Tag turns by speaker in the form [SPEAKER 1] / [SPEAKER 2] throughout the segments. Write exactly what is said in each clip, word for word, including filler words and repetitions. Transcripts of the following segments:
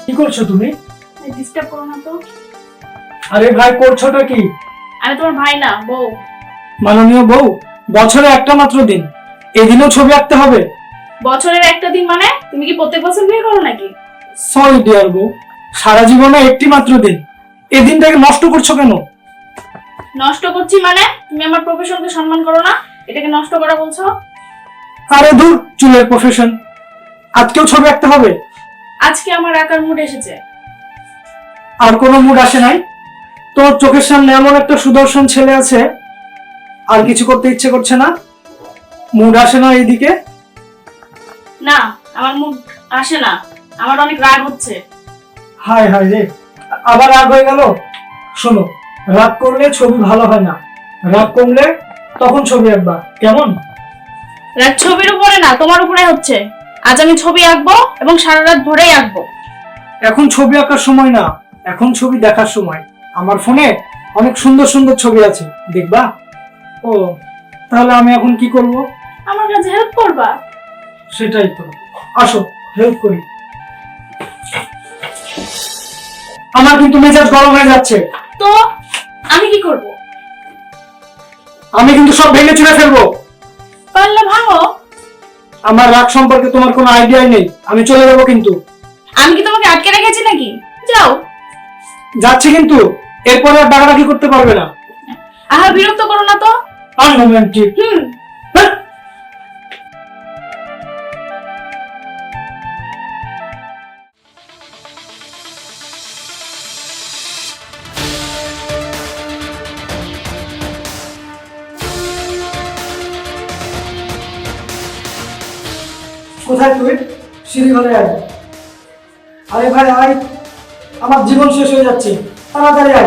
[SPEAKER 1] কি করছো তুমি?
[SPEAKER 2] ডিস্টার্ব করো না তো।
[SPEAKER 1] আরে ভাই, করছোটা কি?
[SPEAKER 2] আমি তোমার ভাই না, বউ।
[SPEAKER 1] মাননীয় বউ, বছরে একটা মাত্র দিন, এদিনও ছবি আঁকতে হবে?
[SPEAKER 2] বছরের একটা দিন মানে তুমি কি প্রত্যেক বছর বিয়ে করো নাকি?
[SPEAKER 1] সরি ডিয়ার বউ, সারা জীবনে একটি মাত্র দিন, এই দিনটাকে নষ্ট করছো কেন?
[SPEAKER 2] নষ্ট করছি মানে তুমি আমার প্রফেশনকে সম্মান করো না, এটাকে নষ্ট করা বলছো?
[SPEAKER 1] আরে দূর, চুলের প্রফেশন, আজকেও ছবি আঁকতে হবে?
[SPEAKER 2] আজকে আমার আঁকার মুড এসেছে।
[SPEAKER 1] আর কোনো মুড আসে নাই? তোর চোখের সামনে এমন একটা সুদর্শন ছেলে আছে, আর কিছু করতে ইচ্ছে করছে না? মুড আসে না এইদিকে?
[SPEAKER 2] না, আমার মুড আসে না, আমার অনেক রাগ হচ্ছে।
[SPEAKER 1] হায় হায় রে, আবার রাগ হয়ে গেল। শোনো, রাগ করলে ছবি ভালো হয় না, রাগ কমলে তখন ছবি আঁকবা, কেমন?
[SPEAKER 2] রাগ ছবির উপরে না, তোমার উপরে হচ্ছে। আজ আমি ছবি আঁকবো এবং সারা রাত ধরেই আঁকবো।
[SPEAKER 1] এখন ছবি আঁকার সময় না, এখন ছবি দেখার সময়। আমার ফোনে অনেক সুন্দর সুন্দর ছবি আছে, দেখবা? ও, তাহলে আমি এখন কি করব?
[SPEAKER 2] আমার কাছে হেল্প করবা?
[SPEAKER 1] সেটাই তো, আসো হেল্প করি। আমার কিন্তু মেজাজ গরম হয়ে যাচ্ছে।
[SPEAKER 2] তো আমি কি করব?
[SPEAKER 1] আমি কিন্তু সব ভেঙে চুরে ফেলবো।
[SPEAKER 2] পারলে ভাঙো।
[SPEAKER 1] আমার রাগ সম্পর্কে তোমার কোনো আইডিয়াই নেই, আমি চলে যাবো কিন্তু।
[SPEAKER 2] আমি কি তোমাকে আটকে রেখেছি নাকি? যাও।
[SPEAKER 1] যাচ্ছি কিন্তু, এরপরে আর ডাকাডাকি করতে পারবে না।
[SPEAKER 2] আহা, বিরক্ত করো না তো।
[SPEAKER 1] আনরোম্যান্টিক।
[SPEAKER 2] হুম।
[SPEAKER 1] হ্যাঁ। কোথায় তুই? সিঁড়ি ঘরে আয়। আরে ভাই আয়, আমার জীবন শেষ হয়ে যাচ্ছে, তাড়াতাড়ি আয়।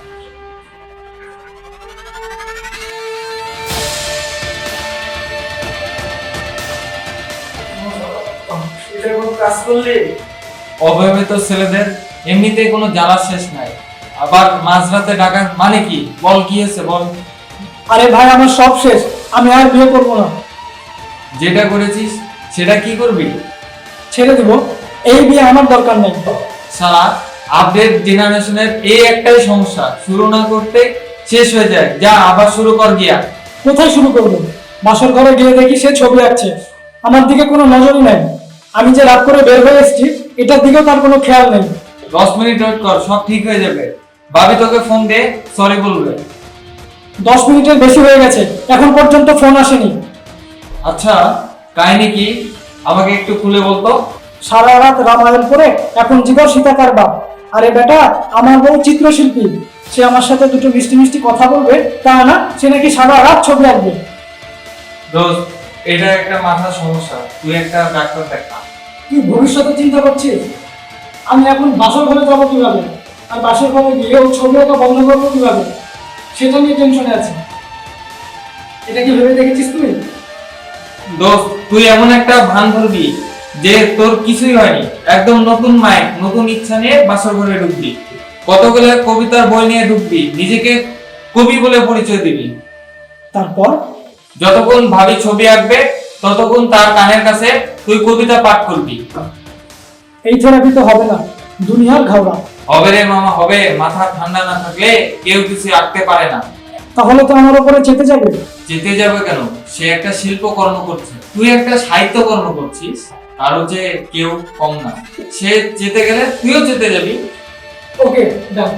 [SPEAKER 1] এটা কোন কাজ করলি?
[SPEAKER 3] অবিবাহিত ছেলেদের এমনিতেই কোনো জ্বালা শেষ নাই, আবার মাঝরাতে ডাকা মানে কি? বল, কি হয়েছে বল।
[SPEAKER 1] আরে ভাই, আমার সব শেষ, আমি আর বিয়ে করবো না।
[SPEAKER 3] যেটা করেছিস সেটা কি করবি?
[SPEAKER 1] ছেড়ে দিব, এই বিয়ে আমার দরকার নেই।
[SPEAKER 3] সারা আপডেট জেনারেশনের এই একটাই সমস্যা, শুরু না করতে শেষ হয়ে যায়। যা আবার শুরু কর গিয়া।
[SPEAKER 1] কোথায় শুরু করবো? বাসর ঘরে গিয়ে দেখি সে ছবি আঁকছে, আমার দিকে কোনো নজরই নাই। আমি যে রাত করে বের হয়ে এসেছি, এটার দিকেও তার কোনো খেয়াল নেই।
[SPEAKER 3] দশ মিনিট ওয়েট কর, সব ঠিক হয়ে যাবে। ভাবি তোকে ফোন দে, সরি বলবে।
[SPEAKER 1] দশ মিনিটের বেশি হয়ে গেছে, এখন পর্যন্ত ফোন আসেনি।
[SPEAKER 3] আচ্ছা, কাহিনী কি আমাকে একটু খুলে বলতো।
[SPEAKER 1] সারা রাত রামায়ণ করে এখন জীবন সীতা কার বাপ। আরে বেটা, আমার বউ চিত্রশিল্পী, সে আমার সাথে দুটো মিষ্টি মিষ্টি কথা বলবে তা না, সে নাকি সারা রাত ছবি আঁকবে।
[SPEAKER 3] দোস্ত, এটা একটা মাথার সমস্যা, তুই একটা ডাক্তার দেখা।
[SPEAKER 1] তুই ভবিষ্যতে চিন্তা করছিস? আমি এখন বাসর ঘরে যাবো কিভাবে, আর বাসর ঘরে গিয়ে ও ছবি আঁকা বন্ধ করবো কিভাবে, সেটা নিয়ে টেনশনে আছি। এটা কি ভেবে দেখেছিস তুই?
[SPEAKER 3] দোস্ত, তুই এমন একটা ভান ধরবি যে তোর কিছুই হয়নি, একদম নতুন মাইন্ড, নতুন ইচ্ছা নিয়ে বাসর ঘরে ঢুকবি, কতগুলো কবিতার বই নিয়ে ঢুকবি, নিজেকে কবি বলে পরিচয় দিবি।
[SPEAKER 1] তারপর?
[SPEAKER 3] যতক্ষণ ভাবি ছবি আঁকবে ততক্ষণ তার কানের কাছে তুই কবিতা পাঠ করবি।
[SPEAKER 1] এই থেরাপি তো হবে না, দুনিয়ার ঘাওড়া।
[SPEAKER 3] হবে রে মামা, হবে। মাথা ঠান্ডা না থাকলে কেউ কিছু আঁকতে পারে না।
[SPEAKER 1] তাহলে তো আমার উপরে চেপে যাবে।
[SPEAKER 3] যেতে যাবে কেন? সে একটা শিল্প কর্ম করছে, তুই একটা সাহিত্য কর্ম করছিস, আরো যে কেউ কম না। সে যেতে গেলে তুইও যেতে যাবি।
[SPEAKER 1] ওকে, ডান।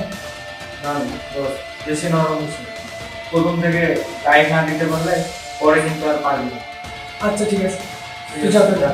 [SPEAKER 3] বেশি নরম প্রথম থেকে টাইম না দিতে পারলে পরে কিন্তু আর পারবি না।
[SPEAKER 1] আচ্ছা ঠিক আছে, তুই যাতে যা।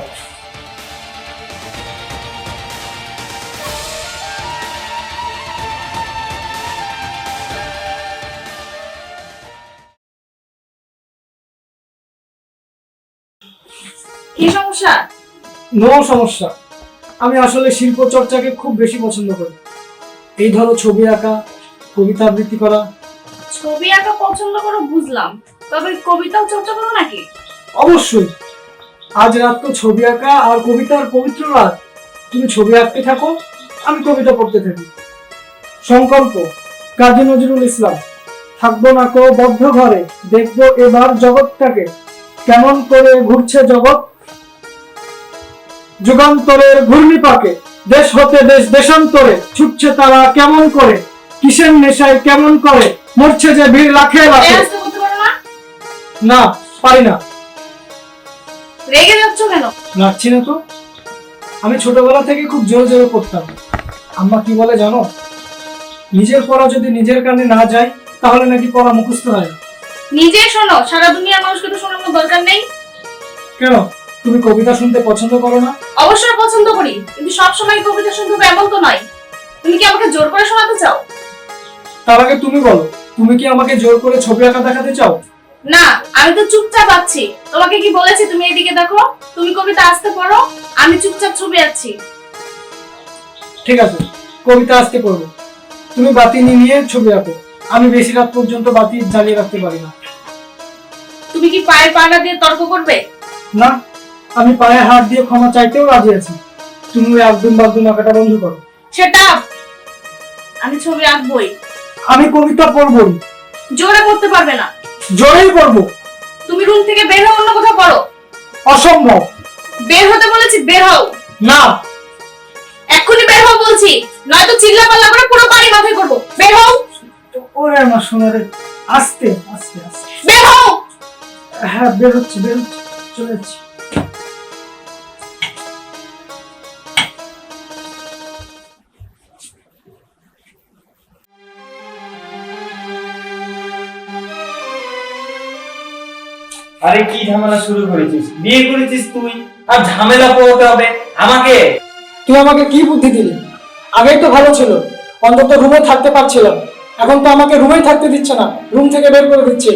[SPEAKER 2] কি সমস্যা?
[SPEAKER 1] নো সমস্যা, আমি আসলে শিল্প চর্চাকে খুব বেশি পছন্দ করি। এই ধরো ছবি আঁকা, কবিতা আবৃত্তি করা।
[SPEAKER 2] ছবি আঁকা পছন্দ করো বুঝলাম, তবে কবিতাও চর্চা করো নাকি?
[SPEAKER 1] অবশ্যই, আজ রাত তো ছবি আঁকা আর কবিতার পবিত্র রাত। তুমি ছবি আঁকতে থাকো, আমি কবিতা পড়তে থাকি। সংকল্প, কাজী নজরুল ইসলাম। থাকবো না কো বদ্ধ ঘরে, দেখবো এবার জগৎটাকে, কেমন করে ঘুরছে জগৎ, যুগান্তরের ঘূর্ণিপাকে। দেশ হতে দেশ দেশান্তরে ছুটছে তারা কেমন করে, কিসের নেশায় কেমন করে, মরছে যে ভিড় লাখে
[SPEAKER 2] এই
[SPEAKER 1] লাখে।
[SPEAKER 2] আস্তে বলতে পারো না?
[SPEAKER 1] না, পারি না।
[SPEAKER 2] রেগে যাচ্ছ কেন?
[SPEAKER 1] লাগছি না তো। আমি ছোটবেলা থেকে খুব জোরে জোরে পড়তাম। আম্মা কি বলে জানো? নিজের পড়া যদি নিজের কানে না যায় তাহলে নাকি পড়া মুখস্থ হয় না।
[SPEAKER 2] নিজে শোনো, সারা দুনিয়ার মানুষকে তো শোনানোর দরকার নেই।
[SPEAKER 1] কেন, তুমি কবিতা শুনতে পছন্দ করো না?
[SPEAKER 2] অবশ্যই পছন্দ করি, কিন্তু সবসময় কবিতা শুনতে হবে এমন তো নয়। তুমি কি আমাকে জোর করে শোনাতে চাও?
[SPEAKER 1] তার আগে তুমি বলো, তুমি কি আমাকে জোর করে ছবি আঁকা দেখাতে চাও?
[SPEAKER 2] না, আমি তো চুপচাপ আছি। তোমাকে কি বলেছি তুমি এদিকে দেখো? তুমি কবিতা আসতে পড়ো, আমি চুপচাপ ছবি আঁকছি।
[SPEAKER 1] ঠিক আছে, কবিতা আজকে পড়বো। তুমি বাতি নিয়ে ছবি আঁকো। আমি বেশি রাত পর্যন্ত বাতি জ্বালিয়ে রাখতে পারি না।
[SPEAKER 2] তুমি কি পায়ের পাড়া দিয়ে তর্ক করবে?
[SPEAKER 1] না, আমি পায়ে হাত দিয়ে ক্ষমা চাইতেও রাজি আছি। তুমি ওই একদম বাগদুম আঁকাটা বন্ধ করো।
[SPEAKER 2] সেটা আমি ছবি আঁকবই।
[SPEAKER 1] আমি কবিতা পড়বই।
[SPEAKER 2] জোরে করতে পারবে না।
[SPEAKER 1] জোরেই পড়বো।
[SPEAKER 2] তুমি রুম থেকে বের হও, অন্য কোথাও পড়ো।
[SPEAKER 1] অসম্ভব।
[SPEAKER 2] বের হতে বলেছি, বের হও।
[SPEAKER 1] না।
[SPEAKER 2] এক্ষুনি বের হও বলছি, নয়তো চিল্লা পাল্লা করে পুরো বাড়ি মাথায় করবো। বের হও।
[SPEAKER 1] ওরে আমার সোনারে, আস্তে আস্তে আস্তে।
[SPEAKER 2] বের হও।
[SPEAKER 1] হ্যাঁ, বের হচ্ছে বের হচ্ছে চলে যাচ্ছি।
[SPEAKER 3] আরে কি ঝামেলা শুরু করেছিস? বিয়ে করেছিস তুই, আর ঝামেলা পোহাতে হবে আমাকে?
[SPEAKER 1] তুই আমাকে কি বুদ্ধি দিলি? আগেই তো ভালো ছিল, অন্তত রুমে থাকতে পারছিলাম। এখন তো আমাকে রুমেই থাকতে দিচ্ছে না, রুম থেকে বের করে দিচ্ছে।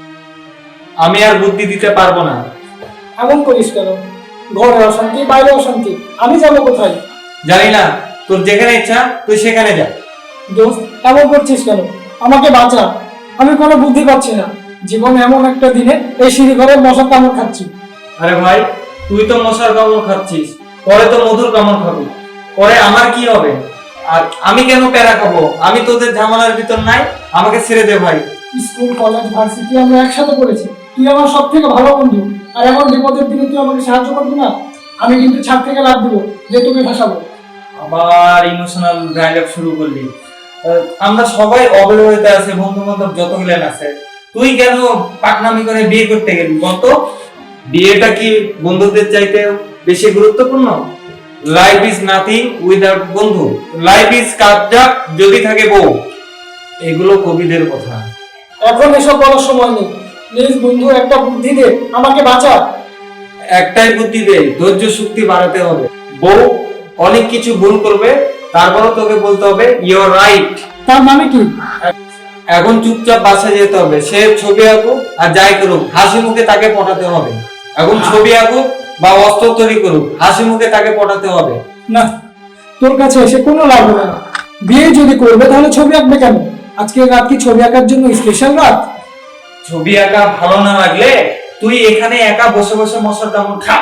[SPEAKER 3] আমি আর বুদ্ধি দিতে পারবো না।
[SPEAKER 1] এমন করিস কেন? ঘরে অশান্তি, বাইরে অশান্তি, আমি যাবো কোথায়?
[SPEAKER 3] জানি না, তোর যেখানে ইচ্ছা তুই সেখানে যা।
[SPEAKER 1] দোস্ত, এমন করছিস কেন? আমাকে বাঁচা। আমি কোনো বুদ্ধি পাচ্ছি না। জীবন এমন একটা দিনে এই সিঁড়ি ঘরে মশার কামড় খাচ্ছি।
[SPEAKER 3] আরে ভাই, তুই তো মশার কামড় খাচ্ছিস, পরে তো মধুর কামড় খাবি। পরে আমার কি হবে? আর আমি কেন প্যারা খাবো? আমি তোদের ঝামেলার ভিতর নাই, আমাকে ছেড়ে দে ভাই।
[SPEAKER 1] স্কুল, কলেজ, ভার্সিটি আমরা একসাথে পড়েছি। তুই আমার সব থেকে ভালো বন্ধু, আর এমন বিপদের দিনে তুই আমাকে সাহায্য করবি না? আমি কিন্তু ছাদ থেকে লাফ দিব, যে তোকে ফাঁসাবো।
[SPEAKER 3] আবার ইমোশনাল ডায়লগ শুরু করলি। আহ, আমরা সবাই অবহেলিত আছে, বন্ধু বান্ধব যতগুলো আছে। তুই কেন পাকনামি করে বিয়ে করতে গেলি বলত? বিয়েটা কি বন্ধুদের চাইতে বেশি গুরুত্বপূর্ণ? লাইফ ইজ নাথিং উইদাউট বন্ধু, লাইফ ইজ কাবজাক যদি থাকে বউ। এগুলো কবিদের কথা।
[SPEAKER 1] এখন এসব বলার সময় নেই। প্লিজ বন্ধু, একটা বুদ্ধি দে, আমাকে বাঁচা।
[SPEAKER 3] একটাই বুদ্ধি দে, ধৈর্য শক্তি বাড়াতে হবে। বউ অনেক কিছু ভুল করবে, তারপরও তোকে বলতে হবে ইউর রাইট।
[SPEAKER 1] তার মানে কি?
[SPEAKER 3] এখন চুপচাপ বাসায় যেতে হবে। সে ছবি আঁকুক আর যাই করুক, হাসি মুখে তাকে পটাতে হবে। এখন ছবি আঁকুক বা অস্ত্র তৈরি করুক, হাসি মুখে তাকে পটাতে হবে।
[SPEAKER 1] না, তোর কাছে এসে কোনো লাভ হবে না। বিয়ে যদি করবে তাহলে ছবি আঁকবে কেন? আজকে রাত কি ছবি আঁকার জন্য স্পেশাল রাত?
[SPEAKER 3] ছবি আঁকা ভালো না লাগলে তুই এখানে একা বসে বসে মশার কামড় খা।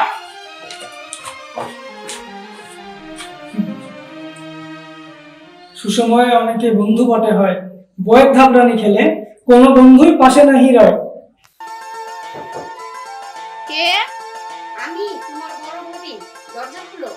[SPEAKER 1] সুসময়ে অনেকে বন্ধু বটে হয়, বয়ের ধাপরানি খেলে কোনো বন্ধুই পাশে নাহি রয়।
[SPEAKER 4] কে? আমি তোমার বড় ভাবি, দরজা খুলো।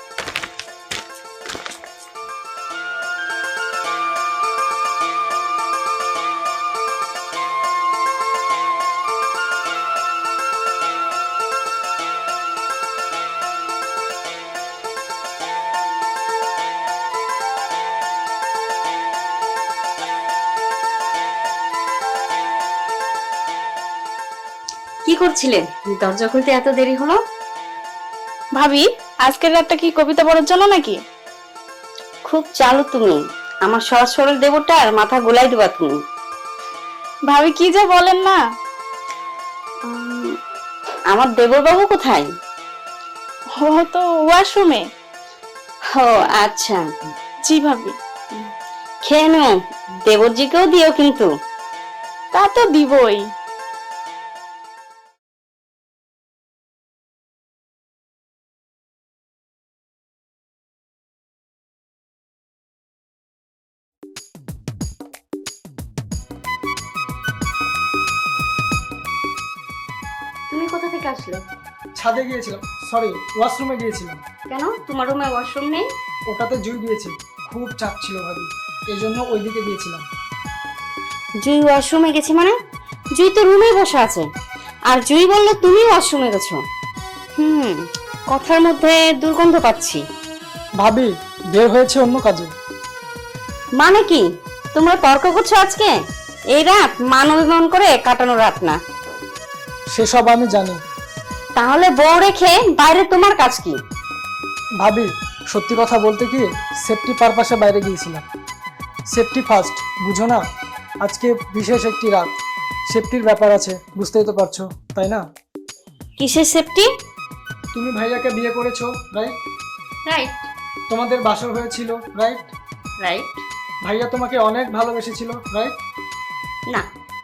[SPEAKER 4] কি করছিলেন? দরজা খুলতে এত দেরি হলো?
[SPEAKER 2] ভাবি, আজকের রাতটা কি কবিতা পড়ার জন্য নাকি?
[SPEAKER 4] খুব চালু তুমি। আমার সহজ সরল দেবরটা আর মাথা গোলাই দেবা তুমি।
[SPEAKER 2] ভাবি কি যে বলেন না।
[SPEAKER 4] উম, আমার দেবর বাবু কোথায়?
[SPEAKER 2] ও তো ওয়াশরুমে।
[SPEAKER 4] ও আচ্ছা,
[SPEAKER 2] জি ভাবি।
[SPEAKER 4] খেয়ে নো, দেবরজিকেও দিও কিন্তু।
[SPEAKER 2] তা তো দিবই।
[SPEAKER 4] তুমি কোথা থেকে আসলে?
[SPEAKER 1] ছাদে গিয়েছিলাম, সরি ওয়াশরুমে গিয়েছিলাম।
[SPEAKER 4] কেন, তোমার রুমে ওয়াশরুম নেই?
[SPEAKER 1] ওটাতে জুই দিয়েছে, খুব চাপ ছিল ভাবি, এই জন্য ওইদিকে গিয়েছিলাম।
[SPEAKER 4] জুই ওয়াশরুমে গেছে মানে? জুই তো রুমে বসে আছে, আর জুই বলল তুমি ওয়াশরুমে গেছো। হুম, কথার মধ্যে দুর্গন্ধ পাচ্ছি।
[SPEAKER 1] ভাবি বের হয়েছে অন্য কাজে।
[SPEAKER 4] মানে কি, তোমরা তর্ক করছো আজকে? এই রাত মান অভিমান করে কাটানো রাত না।
[SPEAKER 1] সেসব আমি জানি।
[SPEAKER 4] তাহলে বউ রেখে বাইরে তোমার কাজ কি?
[SPEAKER 1] ভাবি সত্যি কথা বলতে কি, সেফটি পারপাসে বাইরে গিয়েছিলাম। সেফটি ফার্স্ট, বুঝো না? আজকে বিশেষ একটি রাত, সেফটির ব্যাপার আছে, বুঝতেই তো পারছো তাই না?
[SPEAKER 4] কিসের সেফটি?
[SPEAKER 1] তুমি ভাইয়াকে বিয়ে করেছো, রাইট?
[SPEAKER 4] রাইট।
[SPEAKER 1] তোমাদের বাসর হয়েছিল, রাইট?
[SPEAKER 4] রাইট।
[SPEAKER 1] ভাইয়া তোমাকে অনেক ভালোবেসেছিল, রাইট?
[SPEAKER 4] না।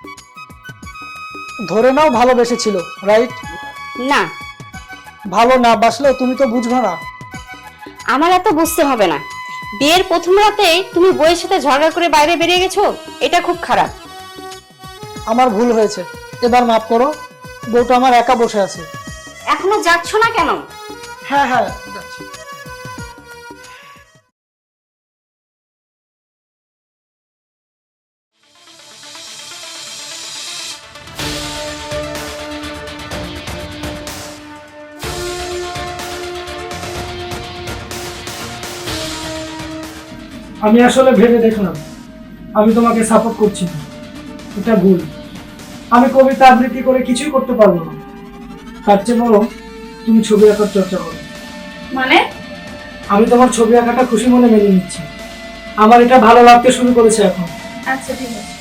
[SPEAKER 1] ধরে নাও ভালোবেসেছিল, রাইট?
[SPEAKER 4] না।
[SPEAKER 1] ভালো না বাসলেও তুমি তো বুঝবে না।
[SPEAKER 4] আমার এত বুঝতে হবে না। বিয়ের প্রথম রাতে তুমি বউয়ের সাথে ঝগড়া করে বাইরে বেরিয়ে গেছো, এটা খুব খারাপ।
[SPEAKER 1] আমার ভুল হয়েছে, এবার মাফ করো। বউটা আমার একা বসে আছে।
[SPEAKER 4] এখনো যাচ্ছ না কেন?
[SPEAKER 1] হ্যাঁ হ্যাঁ যাচ্ছি। আমি আসলে ভেবে দেখলাম আমি তোমাকে সাপোর্ট করছি না, এটা ভুল। আমি কবিতা আবৃত্তি করে কিছুই করতে পারবো না, তার চেয়ে বরং তুমি ছবি আঁকার চর্চা করো।
[SPEAKER 2] মানে?
[SPEAKER 1] আমি তোমার ছবি আঁকাটা খুশি মনে মেনে নিচ্ছি, আমার এটা ভালো লাগতে শুরু করেছে এখন।
[SPEAKER 2] আচ্ছা ঠিক আছে।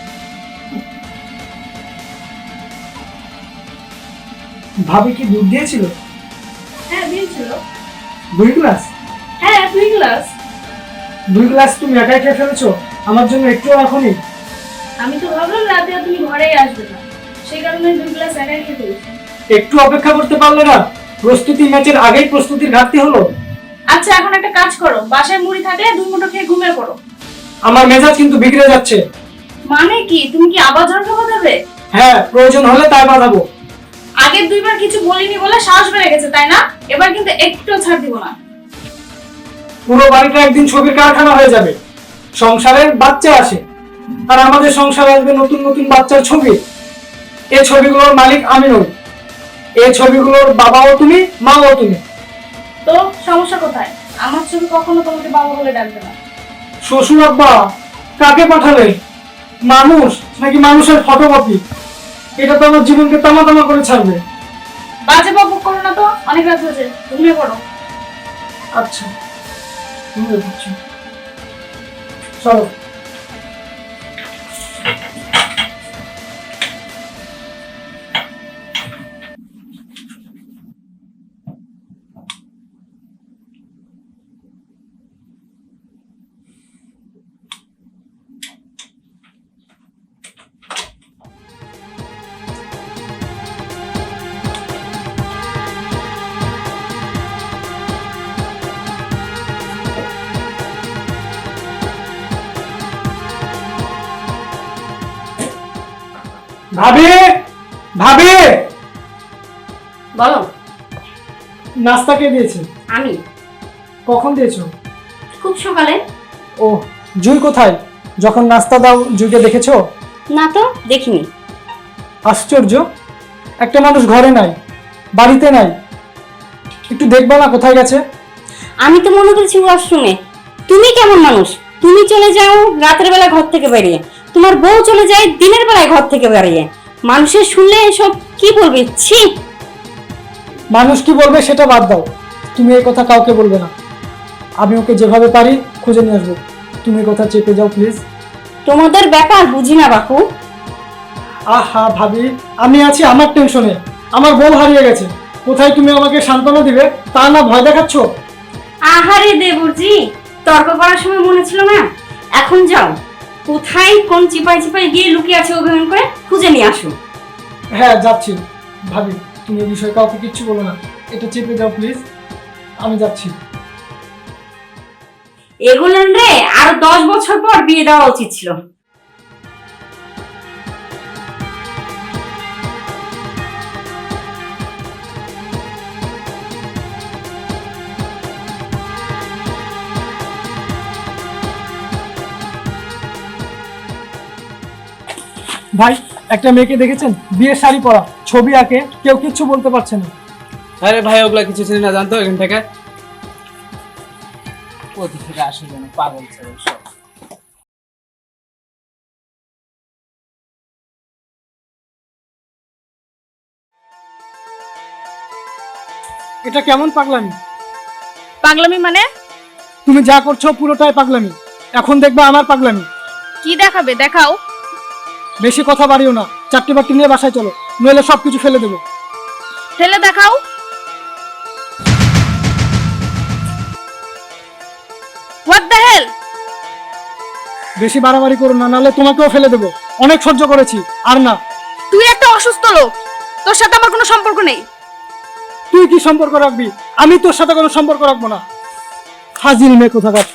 [SPEAKER 1] ভাবি কি দুধ দিয়েছিল?
[SPEAKER 2] হ্যাঁ দিয়েছিল।
[SPEAKER 1] দুই গ্লাস?
[SPEAKER 2] হ্যাঁ দুই গ্লাস।
[SPEAKER 1] দুই গ্লাস তুমি একাই খেয়ে ফেলেছো, আমার জন্য একটুও রাখোনি?
[SPEAKER 2] আমি তো ভাবলাম রাতে আর তুমি ঘরেই আসবে না, সেই কারণে দুই গ্লাস একাই খেয়ে ফেলেছি।
[SPEAKER 1] একটু অপেক্ষা করতে পারলে না? প্রস্তুতি ম্যাচের আগেই প্রস্তুতির ঘাটতি হলো।
[SPEAKER 2] আচ্ছা এখন একটা কাজ করো, বাসায় মুড়ি থাকলে দুই মুঠো খেয়ে ঘুমিয়ে পড়ো।
[SPEAKER 1] আমার মেজাজ কিন্তু বিগড়ে যাচ্ছে।
[SPEAKER 2] মানে কি, তুমি কি আবার ঝগড়া বাঁধাবে?
[SPEAKER 1] হ্যাঁ, প্রয়োজন হলে তাই বাঁধাবো।
[SPEAKER 2] আগের দুইবার কিছু বলিনি বলে সাহস বেড়ে গেছে তাই না? এবার কিন্তু একটুও ছাড় দিব না।
[SPEAKER 1] পুরো বাড়িটা একদিন ছবির কারখানা হয়ে যাবে। সংসারের বাচ্চা আসে, আর আমাদের সংসারে আসবে নতুন নতুন বাচ্চার ছবি। এই ছবিগুলোর মালিক আমি নই, এই ছবিগুলোর বাবাও তুমি, মাও তুমি।
[SPEAKER 2] তো সমস্যা কোথায়? আমার ছবি কখনো তোমাকে বাবা বলে ডাকবে না।
[SPEAKER 1] শ্বশুর আব্বা কাকে পাঠালে? মানুষ নাকি মানুষের ফটোকপি? এটা তো আমার জীবনকে তামা তামা করে ছাড়বে।
[SPEAKER 2] বাজে বকবক করো না তো, অনেক রাত হয়েছে, ঘুমিয়ে পড়ো।
[SPEAKER 1] আচ্ছা ঘুমিয়ে পড়ছি, চলো। ভাবি, ভাবি
[SPEAKER 4] বলো।
[SPEAKER 1] নাস্তা কে দিয়েছে?
[SPEAKER 4] আমি।
[SPEAKER 1] কখন দিয়েছো?
[SPEAKER 4] খুব সকালে।
[SPEAKER 1] ও, জুই কোথায়? যখন নাস্তা দাও জুইকে দেখেছো?
[SPEAKER 4] না তো, দেখিনি।
[SPEAKER 1] আশ্চর্য, একটা মানুষ ঘরে নাই, বাড়িতে নাই, একটু দেখবা না কোথায় গেছে?
[SPEAKER 4] আমি তো মনে করছি ওয়াশরুমে। তুমি কেমন মানুষ? তুমি চলে যাও রাতের বেলা ঘর থেকে বেরিয়ে, তোমার বউ চলে যায় দিনের বেলায় ঘর থেকে বেরিয়ে। মানুষের শুনলে এসব কি বলবে? ছি।
[SPEAKER 1] মানুষ কি বলবে সেটা বাদ দাও, তুমি এই কথা কাউকে বলবে না। আমি ওকে যেভাবে পারি খুঁজে নিয়ে আসবো, তুমি এই কথা চেপে যাও প্লিজ।
[SPEAKER 4] তোমাদের ব্যাপার বুঝি না বাপু।
[SPEAKER 1] আহা ভাবি, আমি আছি আমার টেনশনে, আমার বউ হারিয়ে গেছে। কোথায় তুমি আমাকে সান্ত্বনা দিবে তা না ভয় দেখাচ্ছ?
[SPEAKER 4] আহারে দেবরজি, তর্ক করার সময় মনে ছিল না? এখন যাও, কোথায় কোন চিপাই চিপাই গিয়ে লুকিয়ে আছে অভিমান করে খুঁজে নিয়ে আসো।
[SPEAKER 1] হ্যাঁ যাচ্ছি। ভাবি তুমি এই বিষয়ে কাউকে কিচ্ছু বলো না, এটা চেপে যাও প্লিজ, আমি যাচ্ছি।
[SPEAKER 4] এগুলেন রে আরো দশ বছর পর বিয়ে দেওয়া উচিত ছিল।
[SPEAKER 1] ভাই, একটা মেয়েকে দেখেছেন বিয়ের শাড়ি পরা, ছবি আঁকে, কেউ কিচ্ছু বলতে পারছে না।
[SPEAKER 5] আরে ভাই ওগুলা কিছু চিনি না, জানতো এখান থেকে কোথা থেকে আসে যেন পাগল ছেলে সব।
[SPEAKER 1] এটা কেমন পাগলামি?
[SPEAKER 2] পাগলামি মানে?
[SPEAKER 1] তুমি যা করছো পুরোটাই পাগলামি। এখন দেখবে আমার পাগলামি।
[SPEAKER 2] কি দেখাবে, দেখাও।
[SPEAKER 1] বেশি কথা বাড়িও না, চারটে বাটি নিয়ে বাসায় চলো, নইলে সবকিছু ফেলে দেবো।
[SPEAKER 2] ফেলে দেখাও। What the hell?
[SPEAKER 1] বেশি বাড়াবাড়ি করো না, নাহলে তোমাকেও ফেলে দেবো। অনেক সহ্য করেছি, আর না।
[SPEAKER 2] তুই একটা অসুস্থ লোক, তোর সাথে আমার কোনো সম্পর্ক নেই।
[SPEAKER 1] তুই কি সম্পর্ক রাখবি? আমি তোর সাথে কোনো সম্পর্ক রাখবো না। হাজির মেয়ে কোথাকার।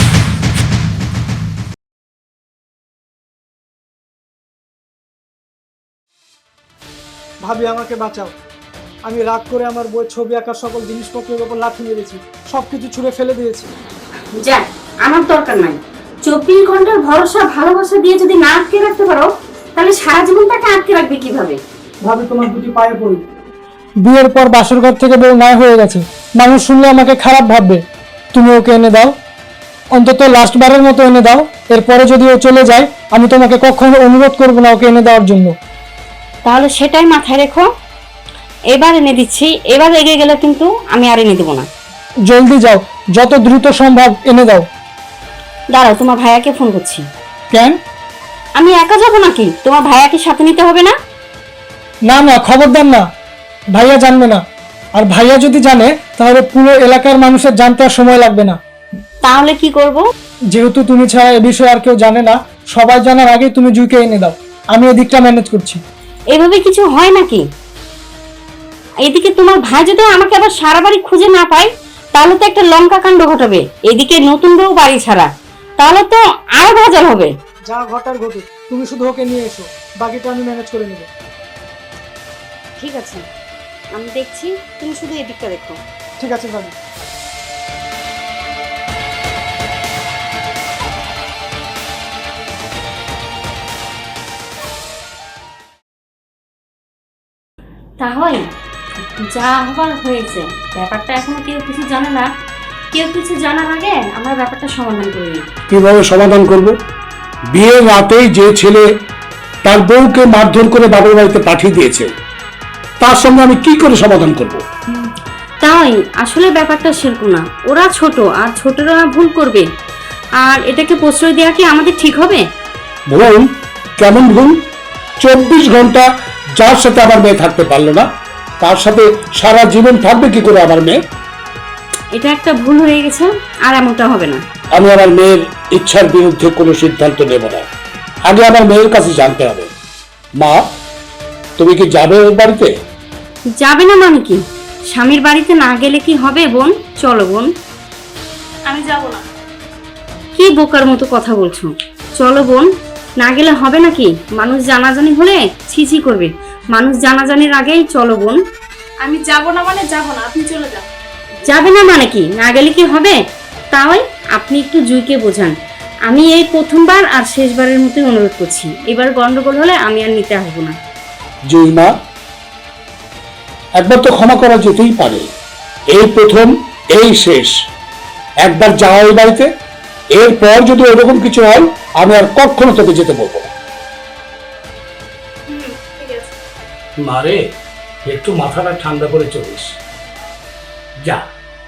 [SPEAKER 1] ভাবি, আমাকে বাঁচাও। আমি রাগ করে আমার বই, ছবি আঁকার সকল জিনিসপত্রের উপর লাথি মেরেছি, সবকিছু ছুঁড়ে ফেলে দিয়েছি।
[SPEAKER 4] যা, আমার দরকার নাই। চব্বিশ ঘন্টার ভরসা ভালোবাসা দিয়ে যদি না আটকে রাখতে পারো, তাহলে সারা জীবন তাকে আটকে রাখবে কিভাবে?
[SPEAKER 1] ভাবি, তোমার দুটি পায়ে পড়ি। বিয়ের পর বাসর ঘর থেকে বউ নাই হয়ে গেছে, মানুষ শুনলে আমাকে খারাপ ভাববে। তুমি ওকে এনে দাও, অন্তত লাস্ট বারের মতো এনে দাও। এরপরে যদি ও চলে যায়, আমি তোমাকে কখনো অনুরোধ করবো না ওকে এনে দেওয়ার জন্য।
[SPEAKER 4] তাহলে সেটাই মাথায় রেখো। এবার এনে দিচ্ছি, এবার এগিয়ে গেলে কিন্তু আমি আর এনে দেবো না।
[SPEAKER 1] জলদি যাও, যত দ্রুত সম্ভব এনে দাও।
[SPEAKER 4] দাঁড়াও, তোমার ভাইয়াকে ফোন করছি।
[SPEAKER 1] কেন?
[SPEAKER 4] আমি একা যাবো নাকি? তোমার ভাইয়াকে সাথে নিতে হবে না?
[SPEAKER 1] না না, খবরদার না, ভাইয়া জানবে না। আর ভাইয়া যদি জানে, তাহলে পুরো এলাকার মানুষের জানতে আর সময় লাগবে না।
[SPEAKER 4] তাহলে কি করব?
[SPEAKER 1] যেহেতু তুমি ছাড়া এ বিষয়ে আর কেউ জানে না, সবাই জানার আগে তুমি জুইকে এনে দাও। আমি এদিকটা ম্যানেজ করছি।
[SPEAKER 4] এভাবে কিছু হয় নাকি? এদিকে তোমার ভাই যদি আমাকে আবার সারা বাড়ি খুঁজে না পায়, তাহলে তো একটা লঙ্কা কাণ্ড ঘটাবে। এদিকে নতুন বউ বাড়ি ছাড়া, তাহলে তো আরো ভেজাল হবে।
[SPEAKER 1] যা ঘটার ঘটুক, তুমি শুধু ওকে নিয়ে এসো, বাকিটা আমি ম্যানেজ করে নেব।
[SPEAKER 4] ঠিক আছে, আমি দেখছি, তুমি শুধু এদিকটা দেখো।
[SPEAKER 1] ঠিক আছে ভাবি।
[SPEAKER 4] তাহলে যা হবার হয়েছে, ব্যাপারটা এখনো কেউ কিছু জানে না। কেউ কিছু জানার আগে আমরা ব্যাপারটা সমাধান করে নিই।
[SPEAKER 6] কিভাবে সমাধান করব? বিয়ের রাতেই যে ছেলে তার বউকে মারধর করে বাবার বাড়িতে পাঠিয়ে দিয়েছে, তার সঙ্গে আমি কি করে সমাধান করব?
[SPEAKER 4] তাই আসলে ব্যাপারটা সেরকম না। ওরা ছোট, আর ছোটরা ভুল করবে, আর এটাকে প্রশ্রয় দেওয়া কি আমাদের ঠিক হবে?
[SPEAKER 6] ভুল? কেমন ভুল? চব্বিশ ঘন্টা যার সাথে আমার মেয়ে থাকতে পারলো না, তার সাথে সারা জীবন থাকবে কি করে আমার মেয়ে?
[SPEAKER 4] এটা একটা ভুল হয়ে গেছে, আর এমনটা হবে না।
[SPEAKER 6] আমি আমার মেয়ের ইচ্ছার বিরুদ্ধে কোনো সিদ্ধান্ত নেব না। আগে আমার মেয়ের কাছে জানতে হবে। মা, তুমি কি যাবে ওর বাড়িতে?
[SPEAKER 4] যাবে না মানে কি? স্বামীর বাড়িতে না গেলে কি হবে বোন? চলো বোন।
[SPEAKER 2] আমি যাব না।
[SPEAKER 4] কি বোকার মতো কথা বলছো? চলো বোন, না গেলে হবে নাকি? মানুষ জানাজানি হলে ছিছি করবে। মানুষ জানাজানির আগেই চলো বোন।
[SPEAKER 2] আমি যাব না মানে যাব না, আপনি চলে যান।
[SPEAKER 4] যাবে না মানে কি? না গেলে কি হবে? তাই আপনি একটু জুইকে বোঝান। আমি এই প্রথমবার আর শেষবারের মতোই অনুরোধ করছি, এবার গন্ডগোল হলে আমি আর নিতে আসবো না।
[SPEAKER 6] জুই মা, একবার তো ক্ষমা করা যেতেই পারে। এই প্রথম, এই শেষ। একবার যাওয়া ওই বাড়িতে, এরপর যদি এরকম কিছু হয়, আমি আর কখনো তোকে যেতে বলবো না।
[SPEAKER 2] ঠিক আছে।
[SPEAKER 6] মারে, একটু মাথাটা ঠান্ডা করে চলিস। যা।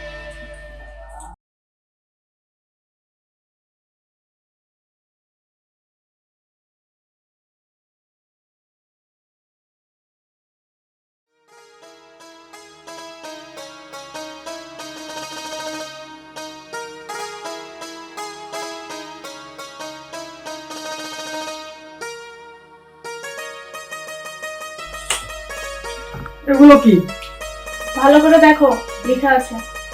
[SPEAKER 1] এগুলো কি?
[SPEAKER 2] ভালো করে দেখো, লেখা আছে।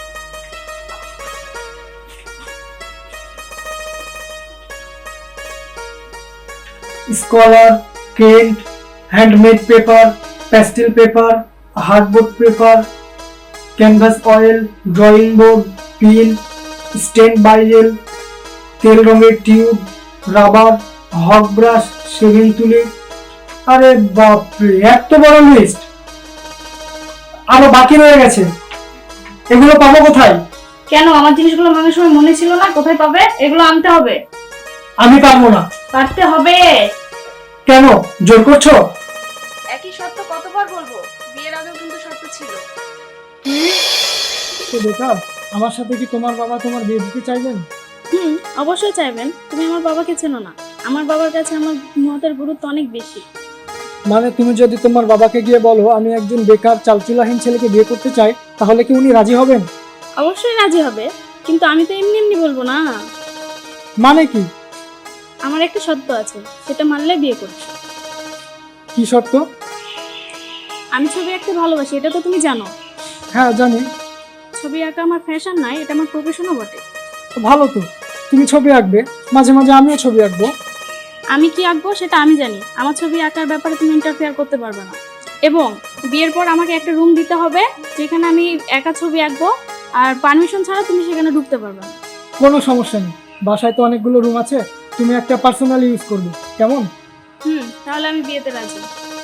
[SPEAKER 1] Scholar, Kent, handmade paper, pastel paper, hardboard paper, canvas oil, drawing board, pin, স্টেন বাইজেল, তেল রঙের টিউব, রাবার, হক ব্রাশ, শেভিং তুলি, আরে বাপরে, এত বড় লিস্ট! আরো বাকি রয়ে গেছে, এগুলো পাবো কোথায়?
[SPEAKER 2] কেন, আমার জিনিসগুলো ভাঙার সময় মনে ছিল না? কোথায় পাবে? এগুলো আনতে হবে।
[SPEAKER 1] আমি পারবো না।
[SPEAKER 2] পারতে হবে।
[SPEAKER 1] কেন, জোর করছো?
[SPEAKER 2] একই শর্ত কতবার বলবো? বিয়ের আগেও কিন্তু শর্ত ছিল।
[SPEAKER 1] তো বেকার, আমার সাথে কি তোমার বাবা তোমার বিয়ে দিতে চাইবেন?
[SPEAKER 2] হুম, অবশ্যই চাইবেন। তুমি আমার বাবাকে চেনো না। আমার বাবার কাছে আমার মতের গুরুত্ব অনেক বেশি।
[SPEAKER 1] মানে তুমি যদি তোমার বাবাকে গিয়ে বলো আমি একজন বেকার চালচুলাহীন ছেলেকে বিয়ে করতে চাই, তাহলে কি উনি রাজি হবেন?
[SPEAKER 2] অবশ্যই রাজি হবে, কিন্তু আমি তো এমনি এমনি বলবো না।
[SPEAKER 1] মানে কি?
[SPEAKER 2] আমার একটা শর্ত আছে, সেটা মানলে বিয়ে করছি।
[SPEAKER 1] কি শর্ত?
[SPEAKER 2] আমি ছবি আঁকতে ভালোবাসি, এটা তো তুমি জানো।
[SPEAKER 1] হ্যাঁ জানি।
[SPEAKER 2] ছবি আঁকা আমার ফ্যাশন নয়, এটা আমার প্রফেশনও বটে।
[SPEAKER 1] তো ভালো তো, তুমি ছবি আঁকবে, মাঝে মাঝে আমিও ছবি আঁকবো।
[SPEAKER 2] আমি কি আঁকবো সেটা আমি জানি। আমার ছবি আঁকার ব্যাপারে তুমি ইন্টারফেয়ার করতে পারবে না। এবং বিয়ের পর আমাকে একটা রুম দিতে হবে, যেখানে আমি একা ছবি আঁকবো, আর পারমিশন ছাড়া তুমি সেখানে ঢুকতে পারবে না।
[SPEAKER 1] কোনো সমস্যা নেই, বাসায় তো অনেকগুলো রুম আছে, তুমি একটা পার্সোনালি ইউজ করবে, কেমন?
[SPEAKER 2] হুম, তাহলে আমি বিয়েতে রাজি।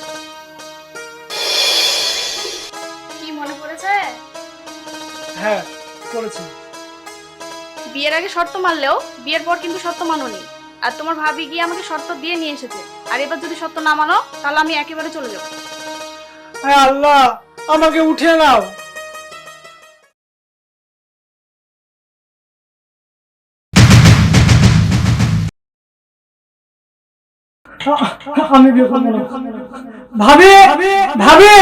[SPEAKER 2] কি মনে পড়েছে?
[SPEAKER 1] হ্যাঁ করেছি।
[SPEAKER 2] বিয়ের আগে শর্ত মানলেও বিয়ের পর কিন্তু শর্ত মানোনি। আর তোমার ভাবি গিয়ে আমাকে শর্ত দিয়ে নিয়ে এসেছে। আর এবার যদি শর্ত না মানো, তাহলে আমি একেবারে চলে যাবো।
[SPEAKER 1] আয় আল্লাহ, আমাকে উঠিয়ে নাও। আমি বিয়ে করবো না। ভাবি, ভাবি,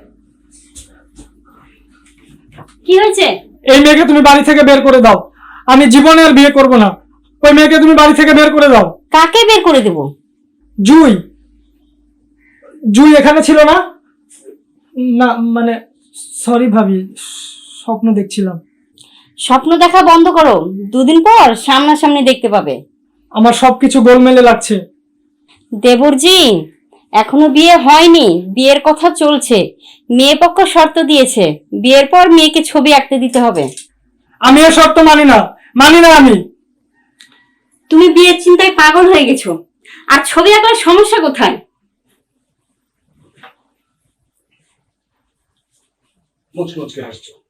[SPEAKER 4] কি হয়েছে?
[SPEAKER 1] এই মেয়েকে তুমি বাড়ি থেকে বের করে দাও। আমি জীবনে আর বিয়ে করবো না। ওই মেয়েকে তুমি বাড়ি থেকে বের করে দাও।
[SPEAKER 4] কাকে বের করে দেব?
[SPEAKER 1] জুই, জুই এখানে ছিল না? না মানে সরি ভাবি, স্বপ্ন দেখছিলাম।
[SPEAKER 4] স্বপ্ন দেখা বন্ধ করো, দুদিন পর সামনাসামনি দেখতে পাবে।
[SPEAKER 1] আমার সবকিছু গোলমেলে লাগছে।
[SPEAKER 4] দেবরজি, এখনো বিয়ে হয়নি, বিয়ের কথা চলছে। মেয়ে পক্ষ শর্ত দিয়েছে, বিয়ের পর মেয়েকে ছবি আঁকতে দিতে হবে।
[SPEAKER 1] আমি এ শর্ত মানি না, মানি না আমি।
[SPEAKER 4] তুমি বিয়ের চিন্তায় পাগল হয়ে গেছো, আর ছবি আঁকার সমস্যা কোথায়?
[SPEAKER 6] মুচকে মুচকে হাসছো।